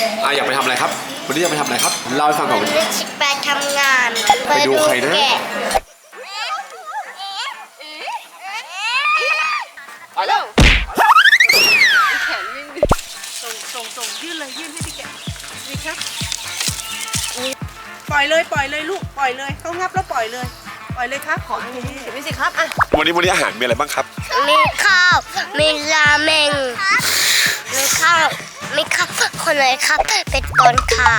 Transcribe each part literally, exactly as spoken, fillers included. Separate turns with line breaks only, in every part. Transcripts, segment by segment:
อ่ะอยากไปทำอะไรครับวันนี้อยากไปทำอะไรครับเล่าให้ฟังก่อน
วันนี้ชิไปทำงาน
ไปดูใครนะ
แกะ
ไปแล้วแขนวิ่งดิส่งส่งส่งยื่นเลยยื่นให้พี่แกะนี่ครับปล่อยเลยปล่อยเลยลูกปล่อยเลยเขางับแล้วปล่อยเลยปล่อยเลยครับขออันนี้เดี๋ยวพี่สิครับอ่ะ
วันนี้วันนี้อาหารมีอะไรบ้างครับ
มีข้าวมีราเมงมีข้าวมีข้าวคนไหนครับเป็นก่อนค่ะ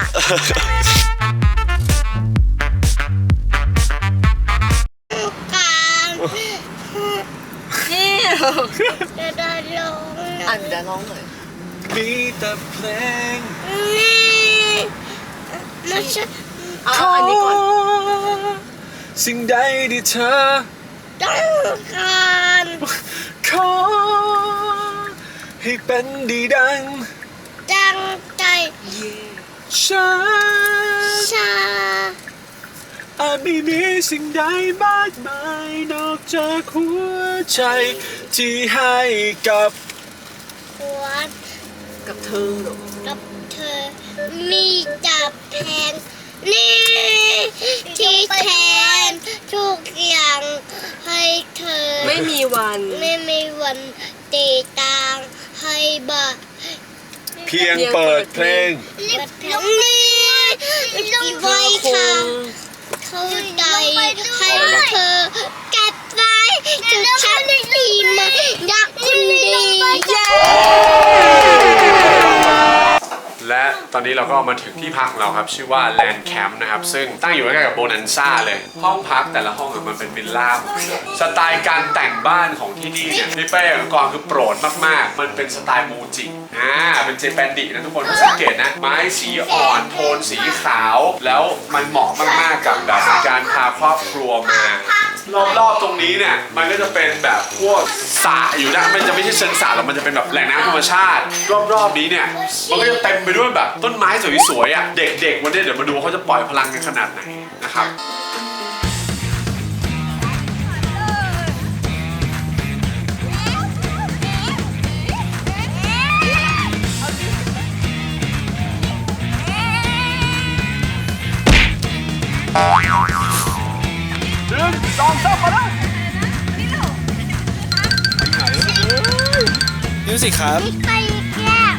การ
นี่
จะได้ลง
อ่ะเดี๋ยวร้องหน่อย
มีแต่เพลง
นี่ไม่ใช่
เอาอันนี้ก่อน
สิ่งใดที่เธอ
ต้องการ
ขอให้เป็นดีดัง
ตั้งใจ
ฉัน
ชา
อาจไม่มีสิ่งใดมากมายนอกจากหัวใจที่ให้กับ
ขวด
กับเธอเหรอ
กับเธอมีจับแทนนี่ที่แทนทุกอย่างให้เธอ
ไม่มีวัน
ไม่มีวันตีตังให้บา
เพียงเปิดเพลง
ลิบลงนี้ลงไว้ค่ะเข้าใจให้เธอเก็บไว้จะฉันดีมาอยากคุณดี
และตอนนี้เราก็มาถึงที่พักของเราครับชื่อว่า Land Camp นะครับซึ่งตั้งอยู่ใกล้ๆกับโบนันซ่าเลยห้องพักแต่ละห้องอะมันเป็นวิลล่าหมดเลยสไตล์การแต่งบ้านของที่นี่เนี่ยพี่เป้กับกรคือโปรดมากๆมันเป็นสไตล์มูจิอ่าเป็นเจแปนดินะทุกคนสังเกตนะไม้สีอ่อนโทนสีขาวแล้วมันเหมาะมากๆกับแบบการพาครอบครัวมารอบๆตรงนี้เนี่ยมันก็จะเป็นแบบพวกสระอยู่นะมันจะไม่ใช่เชิงสระหรอกมันจะเป็นแบบแหล่งน้ำธรรมชาติ รอบๆนี้เนี่ยมันก็จะเต็มไปด้วยแบบต้นไม้สวยๆอ่ะเด็กๆวันนี้เดี๋ยวมาดูเขาจะปล่อยพลังกันขนาดไหนนะครับหนึ่งสองสามมาแล้วมิวสิกครับ
ไปแก้ว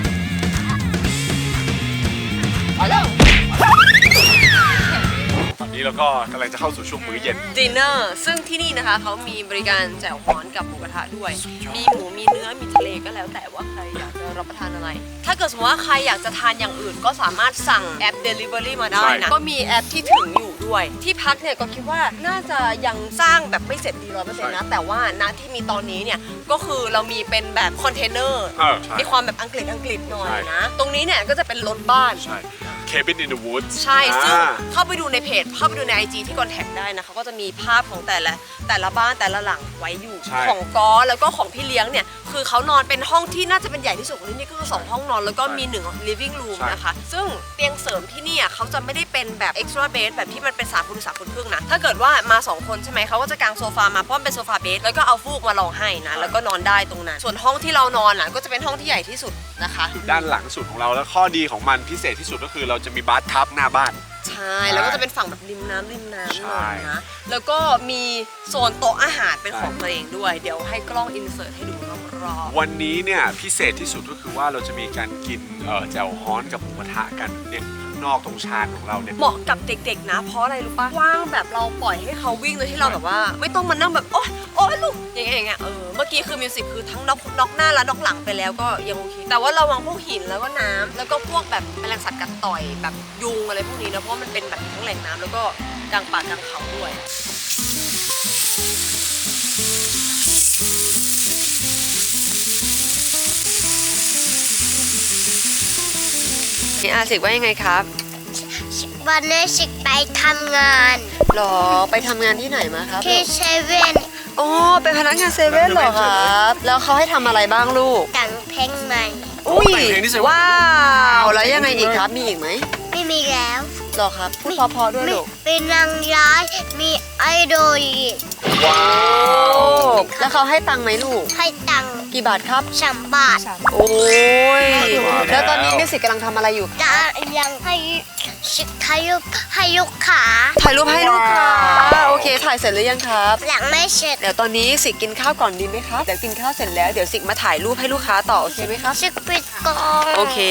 ตอนนี้เราก็กำลังจะเข้าสู่ช่วงมื้อเย็น
ดินเนอร์ซึ่งที่นี่นะคะเขามีบริการแจ่วฮ้อนกับหมูกระทะด้วย มีหมูมีเนื้อมีทะเลก็แล้วแต่ว่าใครอยากจะรับประทานอะไร ถ้าเกิดสมมติว่าใครอยากจะทานอย่างอื่นก็สามารถสั่งแอป Delivery มาได้นะ ก็มีแอปที่ถึงอยู่ด้วย ที่พักเนี่ยก็คิดว่าน่าจะยังสร้างแบบไม่เสร็จดีร้อยเปอร์เซ็นต์นะ แต่ว่าณที่มีตอนนี้เนี่ยก็คือเรามีเป็นแบบคอนเทนเนอร์
เออใช่
มีความแบบอังกฤษอังกฤษหน่อย
ใช่
นะ ตรงนี้เนี่ยก็จะเป็นรถบ้าน
ใช่ Cabin in the Woods
ใช่ซึ่ง
อ่า
เข้าไปดูในเพจเข้าไปดูใน ไอ จี ที่คอนแทคได้นะคะก็จะมีภาพของแต่ละแต่ละบ้านแต่ละหลังไว้อยู่
ใช่
ของก้อแล้วก็ของพี่เลี้ยงเนี่ยคือเขานอนเป็นห้องที่น่าจะเป็นใหญ่ที่สุดของที่นี่ก็คือสองห้องนอนแล้วก็มีหนึ่ง living room นะคะซึ่งเตียงเสริมที่นี่อ่ะเขาจะไม่ได้เป็นแบบ extra bed แบบที่มันเป็นสามคูณสามคูณครึ่งนะถ้าเกิดว่ามาสองคนใช่ไหมเขาก็จะกางโซฟามาเพราะมันเป็นโซฟาเบดแล้วก็เอาฟูกมารองให้นะแล้วก็นอนได้ตรงนั้นส่วนห้องที่เรานอนอ่ะก็จะเป็นห้องที่ใหญ่ที่สุดนะคะ
ด้านหลังสุดของเราแล้วข้อดีของมันพิเศษที่สุดก็คือเราจะมีบาร์ทับหน้าบ้าน
ใช่แล้วก็จะเป็นฝั่งแบบริมน้ำริมน้ำหน่อย
ใช่
นะแล้วก็มีโซนโต๊ะอาหารเป็นของตัวเองด้วยเดี๋ยวให้กล้องอินเสิร์ตให้ดูรอบๆ
วันนี้เนี่ยพิเศษที่สุดก็คือว่าเราจะมีการกินเอ่อแจ่วฮ้อนกับหมูกระทะกันเนี่ยข้างนอกตรงชานของเราเนี่ย
เหมาะกับเด็กๆนะเพราะอะไรรู้ปะว่างแบบเราปล่อยให้เขาวิ่งโดยที่เราแบบว่า ไม่ต้องมานั่งแบบโอ๊ยโอ๊ยลูกอย่างเงี้ยอย่างเงี้ยเออเมื่อกี้คือมิวสิกคือทั้งน็อกน็อกหน้าและน็อกหลังไปแล้วก็ยังโอเคแต่ว่าระวังพวกหินแล้วก็น้ำแล้วก็พวกแบบแมลงสัตว์กัดต่อยแบบยุงอะไรพวกนี้นะเพราะมันเป็นแบบทั้งแหล่งน้ำแล้วก็กลางป่ากลางเขาด้วยนี่อาสิกว่ายังไงครับ
วันนี้ชิไปทำงาน
หรอไปทำงานที่ไหนมาครับ
ที่เซเว่น
อ๋อเป็นพนักงานเซเว่นเหรอครับแล้วเขาให้ทำอะไรบ้างลูก
แต่งเพลงใหม่
อุ้ย
แต่งเพลงที่เซเว่น
ว้าวแล้วยังไงอีกครับมีอีกไหม
ไม่มีแล้ว
หรอครับพูดเพอๆด้วยลูก
มีนางร้ายมีไอดอลอีก
ว้าว
แล้วเขาให้ตังค์ไหมลูก
ให้ตังค์
กี่บาทครับ
สามบาท
โอ้ยแล้วตอนนี้มิวสิกกำลังทำอะไรอยู่
จะยังให้ชิคให้ลูกให้ลูกค้า
ถ่ายรูปให้ลูกค้าโอเคถ่ายเสร็จหรือยังครับ
หลังไม่เสร็จ
เดี๋ยวตอนนี้สิกกินข้าวก่อนดีไหมครับเดี๋ยวกินข้าวเสร็จแล้วเดี๋ยวสิกมาถ่ายรูปให้ลูกค้าต่อโอเคไหมครับ
ชิคปิดกล้อง
โอเค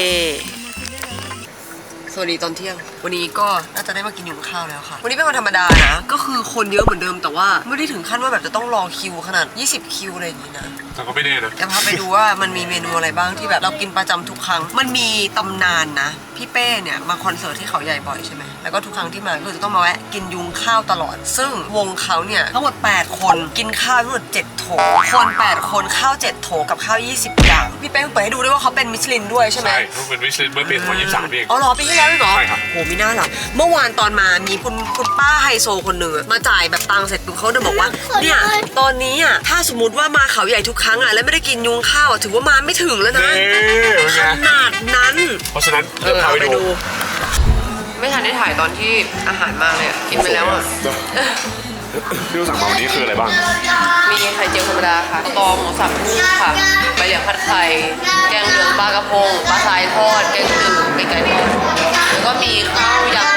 สวัสดีตอนเที่ยง วันนี้ก็น่าจะได้มากินอยู่ข้าวแล้วค่ะ วันนี้เป็นวันธรรมดานะ ก็คือคนเยอะเหมือนเดิมแต่ว่าไม่ได้ถึงขั้นว่าแบบจะต้องรอคิวขนาดยี่สิบคิวอะไรอย่างนี้นะ
แต่ก็ไม่แน่นะ
จะพาไปดูว่ามันมีเมนูอะไรบ้างที่แบบเรากินประจำทุกครั้ง มันมีตำนานนะ พี่เป้เนี่ยมาคอนเสิร์ตที่เขาใหญ่บ่อยใช่ไหมแล้วก็ทุกครั้งที่มาก็จะต้องมาแวะกินยุงข้าวตลอด ซึ่งวงเขาเนี่ยทั้งหมดแปดคนกินข้าวทั้งหมดเจ็ดโถคนแปดคนข้าวเจ็ดโถกับข้าวยี่สิบอย่างพี่เป้เปิดให้ดูด้วยว่าเขาเป็นมิชลินด้วยใช่ไหม
ใช่ต้องเป็นวิชลินเมื่อปีสองพันยี่สิบสามเอง
อ๋อเหรอปีที่แล้วด้วยเหรอ
ใช่ครับ
โหมีหน้าหรอเมื่อวานตอนมามีคุณคุณป้าไฮโซคนหนึ่งอะมาจ่ายแบบตังค์เสร็จปุ๊บเขาเดินบอกว่าเนี่ยตอนนี้อ่ะถ้าสมมติว่ามาเขาใหญ่ทุกครั้งอ่ะแล้วไม่ได้กินยุงข้าวอะถือว่ามาไม่ถึงแล้วนะ
เน่เป็น
ข
ไง
นาดนั้น
เพราะฉะนั้นเดี๋ยวพาไปดู
ไม่ทันได้ถ่ายตอนที่อาหารมาเลยอะกินไปแล้วอ่ะ
ที่เราสั่งมาวันนี้คืออะไรบ้าง
มีไข่เจียวธรรมดาค่ะตอหมูสับนุ่มค่ะใบเหลียงผัดไข่แกงเหลืองปลากระพงปลาทรายทอดแกงจืดไก่ไก่ทอดแล้วก็มีข้าวยำ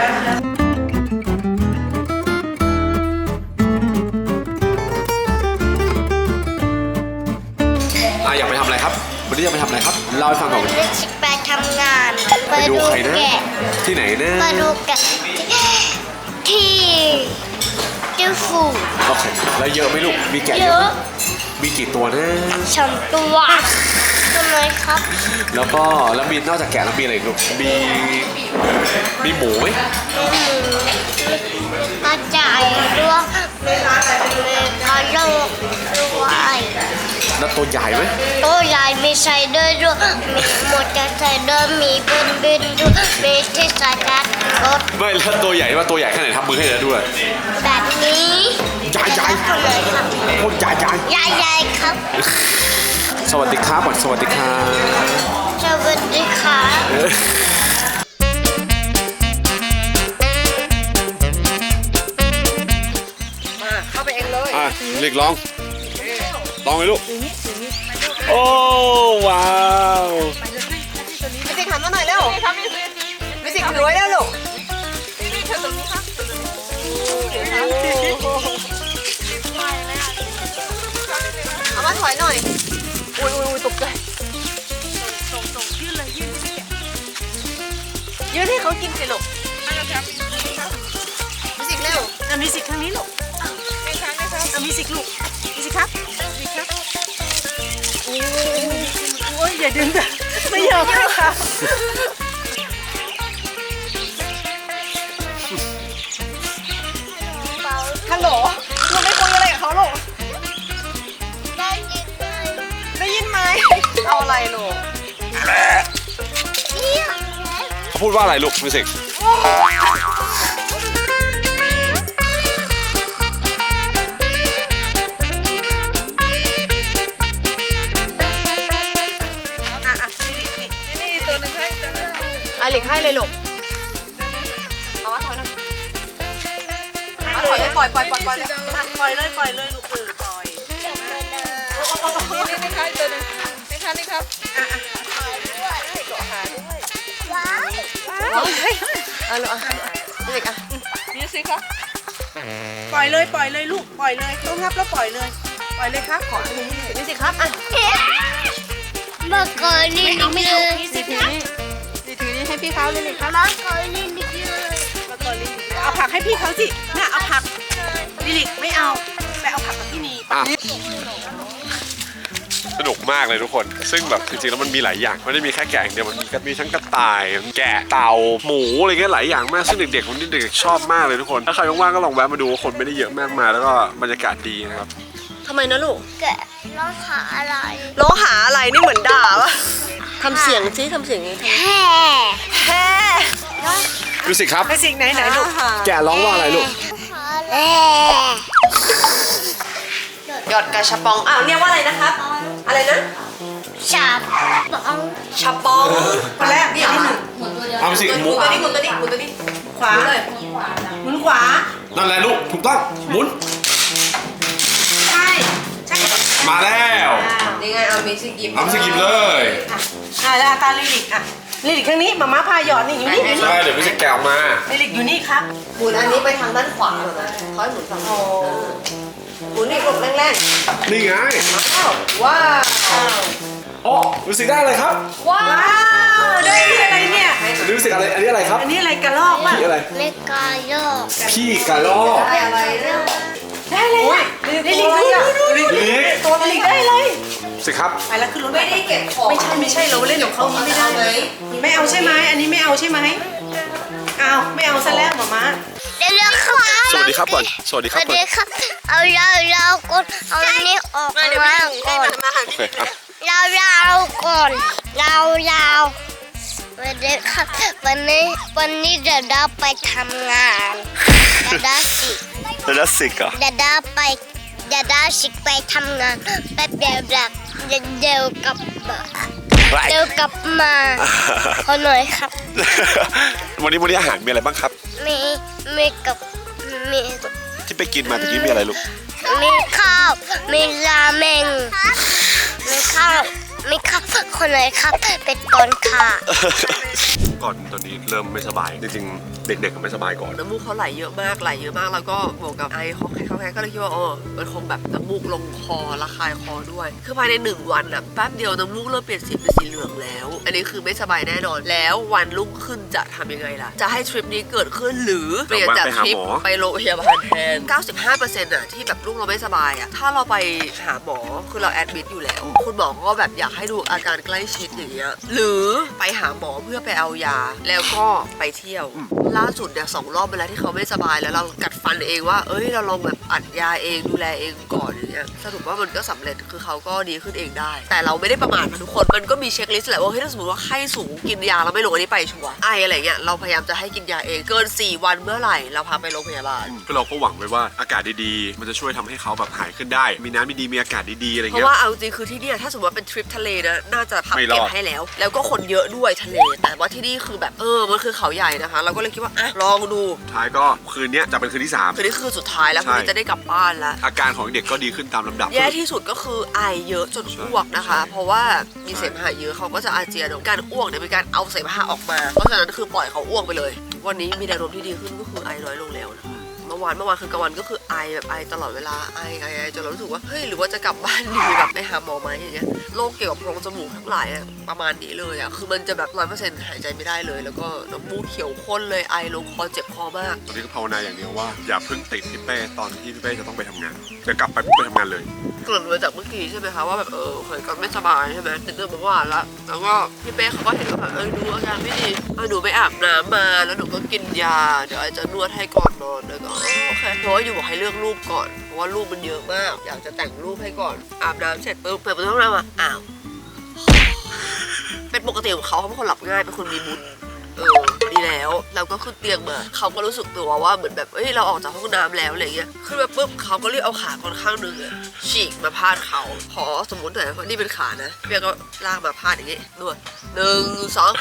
อ่ะอยากไปทำอะไรครับ วันนี้อยากไปทำอะไรครับ เล่าให้ฟังก่อน
เด็กชิคไปทำงาน
ไปดูใครนะ
แกะ
ที่ไหนนะ
ไปดูแกะที่ที่ฟู
โอเค แล้วเยอะไหมลูก มีแกะ
เย
เยอะ
อะ
ไหมมีกี่ตัวนะ
สองตัวทำไมครับ
แล้วก็แล้วมีนอกจากแกะแล้วมีอะไรอีกลูก มี มีหมูไหม
มีหมูกระจายด้วยมีมีกระโหลกด้วย
แล้วตัวใหญ่ไหม
ตัวใหญ่มีไซเดอร์ด้วยมีมอเตอร์ไซเดอร์มีบินบินด้วยมีที่ใส่การรถ
ไม่แล้วตัวใหญ่ว่าตัวใหญ่แค่ไหนทำมือให้เลยด้วย
แบบนี้
ใหญ่ใหญ่
ทำเลยครับ
โคตรใหญ่ใหญ่
ใหญ่ๆครับ
สวัสดีครับก่อนสวัสดีครับ
สวัสดีครับ
เออ
มาเข้าไปเองเลย
อ่ะเรียกลอง ลองเลยลูก โอ้ ว้าว
มิสิกหันมาหน่อยเร็วมิสิกถือไว้แล้วลูกเอามาถอยหน่อย อุ้ยอุ้ยอุ้ยตกใจยื่นให้เขากินสิลูกมิสิกเร็ว
อ่ะมีสิทธิ์ทางนี้ลูกไม่ครับไม่ครับอ่ะมีสิทธิ์ลูกมีสิทธิ์ครับมีสิทธิ์ครับโอ้ยอย่าดึงแบบไม่ยอมให้ค่ะ ฮัลโหลหนูไม่คุยอะไรกับเขาหรอก
ได้ยินไหม
ได้ยินไหม
เอาอะไรลูก
เนี่ย
เขาพูดว่าอะไรลูกมิวสิก
อ่ะอ่ะนี่นี่นี่ตัวหนึ่งให้ตัวหนึ่ง
อ่ะหลีกให้เลยลูกเอามาถอยหน่อยเอาถอยเลยปล่อยปล่อยปล่อยปล่อยเลย
อ่ะปล่อยเลยปล่อยเลยลูกเออปล่อยนี่นี่นี่ครับตัวหนึ่งนี่ครับนี่ครับอ่ะอ่ะ
ว้าว
เอาเลยเอาลูกอ่ะมิสิกอ่ะ
นี่สิครับปล่อยเลยปล่อยเลยลูกปล่อยเลยต้องงับแล้วปล่อยเลยปล่อยเลยครับขออันนี้
มิสิกครับอ่ะ
เมื่อก่อนนี่นิดนึง
นี่ถือนี่นี่ถือนี่ให้พี่เขาเลยเลยครับ
เมื่อก่อนนี่นิดนึง
แล้วก็ลิลิกเอาผักให้พี่เขาสิน่ะเอาผักลิลิกไม่เอาไปเอาผักกับพี่นี
อ่ะสนุกมากเลยทุกคน ซึ่งแบบจริงๆแล้วมันมีหลายอย่างไม่ได้มีแค่แกะอย่างเดียวมันมีมีทั้งกระต่าย แกะเต่าหมูอะไรเงี้ยหลายอย่างมากซึ่งเด็กๆคนนี้เด็กๆชอบมากเลยทุกคนถ้าใครว่างๆก็ลองแวะมาดูคนไม่ได้เยอะมากมายแล้วก็บรรยากาศดีนะครับ
ทำไมนะลูก
แกะร้องหาอะไร
ร้องหาอะไรนี่เหมือนด่าวะทำเสียงซิทำเสียงไง
แห่
แฮ่
มิวสิกครับ
ไปสิ่งไหนไหนลูก
แกะร้องว่าอะไรลูก
แห่
หยอดกระชับปองอ้าวเรียกว่าอะไรนะครับ อะไรนะ
ชาบอง
ชับปองคนแรกนี่ที่หนึ่ง
เอามิวสิก
ห
ห
มุ
มุ
น
น
ตัวนี้หมุนตัวนี้หมุนตัวนี้
ขวา
เลย
หมุนขวา
นั่นแหละลูกถูกต้องหมุนมาแล้ว
นี่ไงเอามิสกิม
เอาสกิปเลย
อ่ะแล้วตาลิลิกอ่ะลิลิกทางนี้มาม่าพาหยอดนี่อยู่นี่
ใช่เดี๋ยวพี่จะแกะออกมา
ลิลิกอยู่นี่ครับ
หมุนอันนี้ไปทางด้านขวาเหรอนะค่อยหมุนฝั่งนี้เออหมุนนี่กดแรง
นี่ไง
ๆอ้าวว้าว
อ๋อรู้สึกได้อะไรครับ
ว้า
ว้าว วได้ที่อะไรเนี่ย
รู้สึกอะไรอันนี้อะไรครับ
อันนี้อะไรกระลอกป่ะ
พี่อะไร
ไม่กล้าโยก
พี่กระรอก
ได้อะไรเนี่ย
ได้เลยอ่ะลิลิกดูดูดู
นี่
ตัวลิลิกได้เลย
สิครับ
ไปแล้วขึ้นรถ
ไม่ได้เก็บของ
ไม่ใช่ไม่ใช่เราเล่นของเขาไม่ได้เลย ไม่เอาใช่ไหมอันนี้ไม่เอาใช่ไหมเอาไม่เอาซะแล้วหมาม่า
เดี๋ยวเดี๋ยวครับ
สวัสดีครับก่อนสวัสดี
ส
ครับ
วัส
ก่อน
ดีครับ เอาเราเรากดเอาอันนี้ออก
มาเดี๋ยว
มา
มา
ก่อน
มาหา
โอ
พี่
เคอ่ะ
เราเราก่อนเราเราสวัสดีครับวันนี้วันนี้เดี๋ยวเราไปทำงานเดี๋ยวเราสิ
แล้วสิกอ่ะ
เดี๋ยวเราไปเดี๋ยวเราสิไปทำงานแป๊บเดียวแบบเดี๋ยวเดี๋ยวกลับมาเดี๋ยวกลับมาขอหน่อยครับ
วันนี้วันนี้อาหารมีอะไรบ้างครับ
มีมีกับมี
ที่ไปกินมาตะกี้มีอะไรลูก
มีข้าวมีราเมงมีข้าวมีข้าวคนไหนครับเป็ดก่อนค่ะ
ก่อนตอนนี้เริ่มไม่สบายจริงๆเด็กๆก็ไม่สบายก่อน
น้ำมูกเขาไหลเยอะมากไหลเยอะมากแล้วก็บวกกับไอเขาแค่เขาแค่ก็เลยคิดว่าเออมันคงแบบน้ำมูกลงคอระคายคอด้วย คือภายในหนึ่งวันอ่ะแป๊บเดียวน้ำมูกเริ่มเปลี่ยนสีเป็นสีเหลืองแล้ว อันนี้คือไม่สบายแน่นอนแล้ววันรุ่งขึ้นจะทำยังไงล่ะจะให้ทริปนี้เกิดขึ้นหรือเปลี่ยนจากทริปไปโรงพยาบาลแทน เก้าสิบห้าเปอร์เซ็นต์ อ่ะที่แบบลูกเราไม่สบายอ่ะถ้าเราไปหาหมอคือเราแอดมิดอยู่แล้ว คุณหมอก็แบบอยากให้ดูอาการใกล้ชิดอย่างเงี้ยหรือไปหาหมอเพื่อไปเอายาแล้วก็ไปเที่ยวล่าสุดเนี่ยสองรอบไปแล้วที่เขาไม่สบายแล้วเรากัดฟันเองว่าเอ้ยเราลองแบบอัดยาเองดูแลเองก่อนอย่างเงี้ยสรุปว่ามันก็สำเร็จคือเขาก็ดีขึ้นเองได้ แต่เราไม่ได้ประมาทนะทุกคนมันก็มีเช็คลิสต์แหละว่าเฮ้ยถ้าสมมติว่าไข้สูงกินยาเราไม่ลงอันนี้ไปชัวร์ไออะไรเงี้ยเราพยายามจะให้กินยาเองเกินสี่วันเมื่อไหร่เราพาไปโรงพยาบาล
ก็เราก็หวังไว้ว่าอากาศดีๆมันจะช่วยทำให้เขาแบบหายขึ้นได้ มีน้ำดีๆมีอากาศดีๆอะไร
เพ
เงี้
ราะ
ย
ว่าเอาจริงคือที่เนี่ยถ้าสมมติว่าเป็นทริปทะเลนะน่าจะพับ
ไม่รอด
เก็บให้แล้ว แล้วก็คนเยอะด้วยทะเล แต่ว่าที่นี่คือแบบเออมันคือเขาใหญ่นะคะ เราก็เลยคิดว่าอ่ะลองดู
ท้ายก็คืนนี้จะเป็นคืนที่สาม
คือนี่คือสุดท้ายแล้ว
ใช่
คุณจะได้กลับบ้านแล้ว
อาการของเด็กก็ดีขึ้นตามลำดับ
แย่ที่สุดก็คือไอเยอะจนอ้วกนะคะ เพราะว่ามีเสมหะเยอะเขาก็จะอาเจียนการอ้วกเนี่ยเป็นการเอาเสมหะออกมา เพราะฉะนั้นคือปล่อยเขาอ้วกไปเลย วันนี้มีแนวโน้มที่ดีขึ้นก็คือไอน้อยลงแล้วนะคะเมื่อวานเมื่อวานคือกลางวันก็คือไอแบบไอตลอดเวลาไอไอไอจนเรารู้สึกว่าเฮ้ยหรือว่าจะกลับบ้านดีแบบไปหาหมอไหมอย่างเงี้ยโรคเกี่ยวกับโพรงจมูกทั้งหลายอะประมาณนี้เลยอะคือมันจะแบบร้อยเปอร์เซ็นต์หายใจไม่ได้เลย แล้วก็น้ำมูกเขียวข้นเลยไอลงคอเจ็บคอมาก
ตอนนี้ก็ภาวนาอย่างเดียวว่าอย่าเพิ่งติดพี่เป้ตอนที่พี่เป้จะต้องไปทำงานจะกลับไปปุ๊บไปทำงานเลย
เกริ่นมาจากเมื่อกี้ใช่ไหมคะว่าแบบเออเคยก็ไม่สบายใช่ไหมติดเรื่องเมื่อวานแล้วแล้วก็พี่เป้เขาก็เห็นว่าแบบเออดูอาการไม่ดีเออหนูไปอาบน้ำมาแล้วหนูก็กินยาเดี๋ยวไอจะนวดให้ก่อนนอนแล้วก็โอเคเพราะว่าอยู่บอกให้เลือกรูปก่อนเพราะว่ารูปมันเยอะมากอยากจะแต่งรูปให้ก่อนอาบน้ำเสร็จปุ๊บเปิดประตูห้องน้ำอ่ะอ้าวเป็นปกติของเขาเขาเป็นคนหลับง่ายเป็นคนมีบุญเออดีแล้วเราก็ขึ้นเตียงมาเขาก็รู้สึกตัวว่าเหมือนแบบเอ้ยเราออกจากห้องน้ำแล้วอะไรเงี้ยขึ้นมาปุ๊บเขาก็รีบเอาขาคนข้างหนึงอะฉีกมาพาดเขาขอสมมติหน่อยว่านี่เป็นขานะเปียก็ลากมาพาดอย่างงี้นวดหนึ่งสอง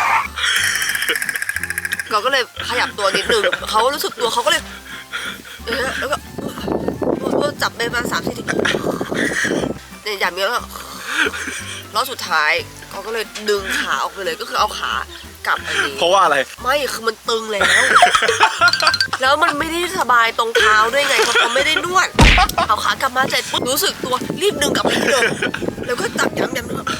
เราก็เลยขยับตัวนิดนึงเขารู้สึกตัวเขาก็เลยเออแล้วก็จับไปมาสามสี่ทีเนี่ยอย่างนี้แล้วแล้วสุดท้ายเขาก็เลยดึงขาออกไปเลยก็คือเอาขากลับอันนี้
เพราะว่าอะไร
ไม่คือมันตึงแล้ว แล้วมันไม่ได้สบายตรงเท้าด้วยไงเพราะเขาไม่ได้นวดเอาขากลับมาเสร็จปุ๊บรู้สึกตัวรีบดึงกลับไปที่เดิมแล้วก็จับย้ำๆไม่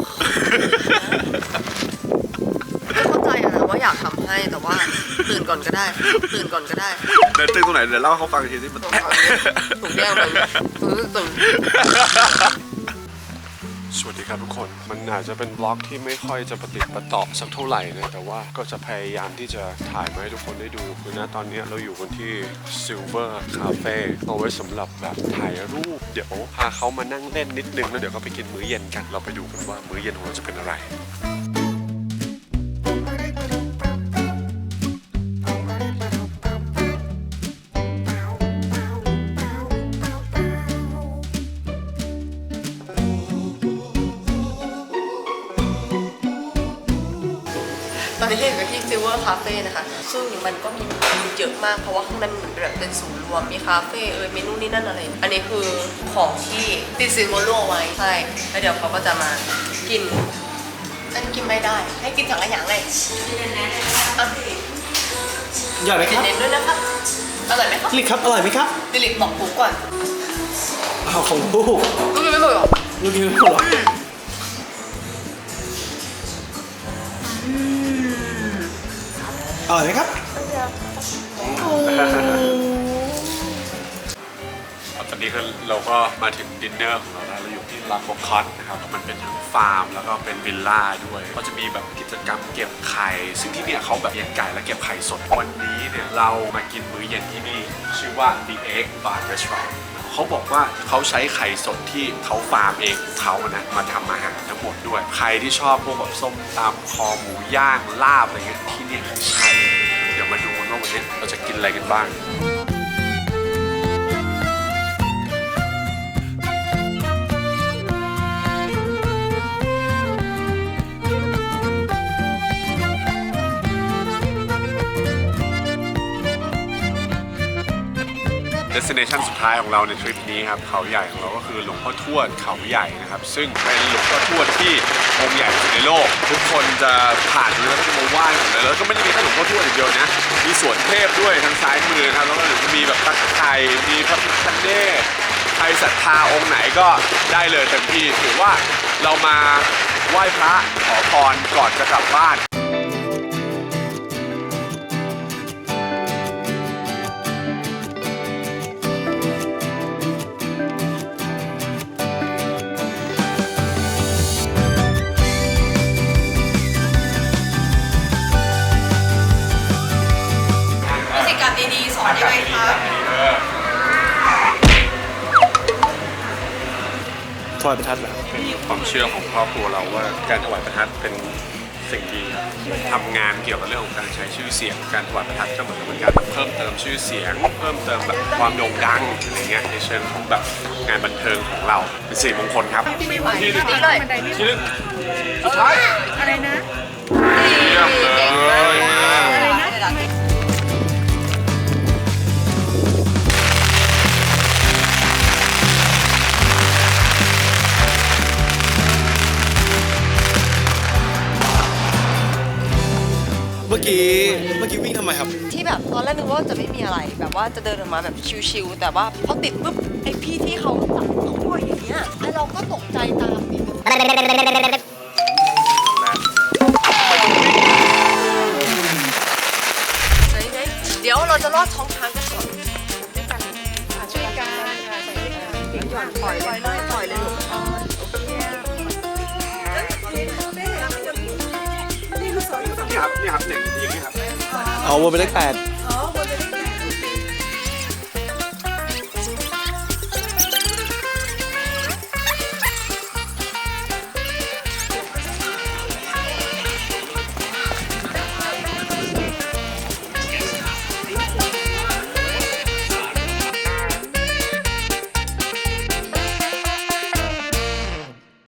เข้าใจอะนะว่าอยากทำให้แต่ว่าตื่นก่อนก็ได้ตื่นก่อนก็ได้
เดินตึงตรงไหนเดี๋ยวเล่าให้เขาฟังอีกทีที่มัน
ตรงนี้ถูกแยกมันตึง
สวัสดีครับทุกคน มันอาจจะเป็นบล็อกที่ไม่ค่อยจะปฏิดประต่อสักเท่าไหร่นะแต่ว่าก็จะพยายามที่จะถ่ายมาให้ทุกคนได้ดูคือนะตอนนี้เราอยู่กันที่ Silver Cafe เอาไว้สำหรับแบบถ่ายรูปเดี๋ยวพาเขามานั่งเล่นนิดนึงแล้วเดี๋ยวก็ไปกินมื้อเย็นกันเราไปดูกันว่ามื้อเย็นของเราจะเป็นอะไร
ตอนนี้อยู่ที่ Silver Cafe นะคะซึ่งมันก็มีเยอะมากเพราะว่าข้างในมันเหมือนแบบเป็นศูนย์รวมมีคาเฟ่เออเมนูนี่นั่นอะไรอันนี้คือของที่ติดซิลเวอร์โลไว้ใช่แล้วเดี๋ยวเขาก็จะมากินอันกินไม่ได้ให้กินสังขยาเลยอ่ะ
อร่อยไหมครับ
เน้นๆด้วยนะครับอร่อยไหมครับ
ลิกครับ อร่อยไหมครับ
ดิลิกบอกปุ๊กก่อน
เอาของลูก
ลูกยังไม่บอกหรอ
ลูกกินไม่หมดหรอ อร่อยไหมครับ
ตอนนี้คือเราก็มาถึงดินเนอร์ของเราแล้วเราอยู่ที่ลาโคคอตนะครับมันเป็นทั้งฟาร์มแล้วก็เป็นวิลล่าด้วยก็จะมีแบบกิจกรรมเก็บไข่ซึ่งที่เนี่ยเขาแบบเลี้ยงไก่และเก็บไข่สดวันนี้เนี่ยเรามากินมื้อเย็นที่นี่ชื่อว่า The Egg Bar Restaurant เขาบอกว่าเขาใช้ไข่สดที่เขาฟาร์มเองของเขานะมาทำอาหารทั้งหมดด้วยใครที่ชอบพวกแบบส้มตำคอหมูย่างลาบอะไรเงี้ยที่เนี่ยใช่เดี๋ยวมาดูกันว่าวันนี้เราจะกินอะไรกันบ้างdestination สุดท้ายของเราในทริปนี้ครับเขาใหญ่ของเราก็คือหลวงพ่อทวดเขาใหญ่นะครับซึ่งเป็นหลวงพ่อทวดที่องค์ใหญ่ที่สุดในโลกทุกคนจะผ่านตรงนี้แล้วก็จะมาไหว้หมดเลยแล้วก็ไม่ได้มีแค่หลวงพ่อทวดอย่างเดียวนะมีสวนเทพด้วยทางซ้ายมือครับแล้วก็เดี๋ยวจะมีแบบตะไคร่มีพระพิฆเนศใครศรัทธาองค์ไหนก็ได้เลยเต็มที่ถือว่าเรามาไหว้พระขอพรก่อนจะกลับบ้าน
กิจกรรมดีๆสอนยังไงคะ
ถวายประทัดเหรอ
ความเชื่อของครอบครัวเราว่าการถวายประทัดเป็นสิ่งดีทำงานเกี่ยวกับเรื่องของการใช้ชื่อเสียงการถวายประทัดก็เหมือนกับเป็นการเพิ่มเติมชื่อเสียง เพิ่มเติมแบบความโด่งดังอะไรเงี้ยในเชิงของแบบงานบันเทิงของเราเป็นสิริมงคลครับที่หนึ่ง
นี่เลย
ที่หนึ่งสุดท้าย
อะไรนะ
เยี่ยมเลยมา
อะไรนะ
เมื่อกี้ เมื่อกี้วิ่งทำไมครับ
ที่แบบตอนแรกนึกว่าจะไม่มีอะไรแบบว่าจะเดินออกมาแบบชิวๆแต่ว่าพอติดปุ๊บไอพี่ที่เขาจับเขาปล่อยอย่างเงี้ยแล้วเราก็ตกใจตามนิดนึงไหนๆเดี๋ยวเราจะลอดท้องช้างกันก่อน
ช่วยกันค่ะใส่ด้วยกันหย่อนปล่อยเลยปล่อยเลยลูกนี่คือสอนอยู่ตรง
นี่ครับนี่ครับเนี่ยอย่างนี้ครับ
เอาวนไปเลขแปด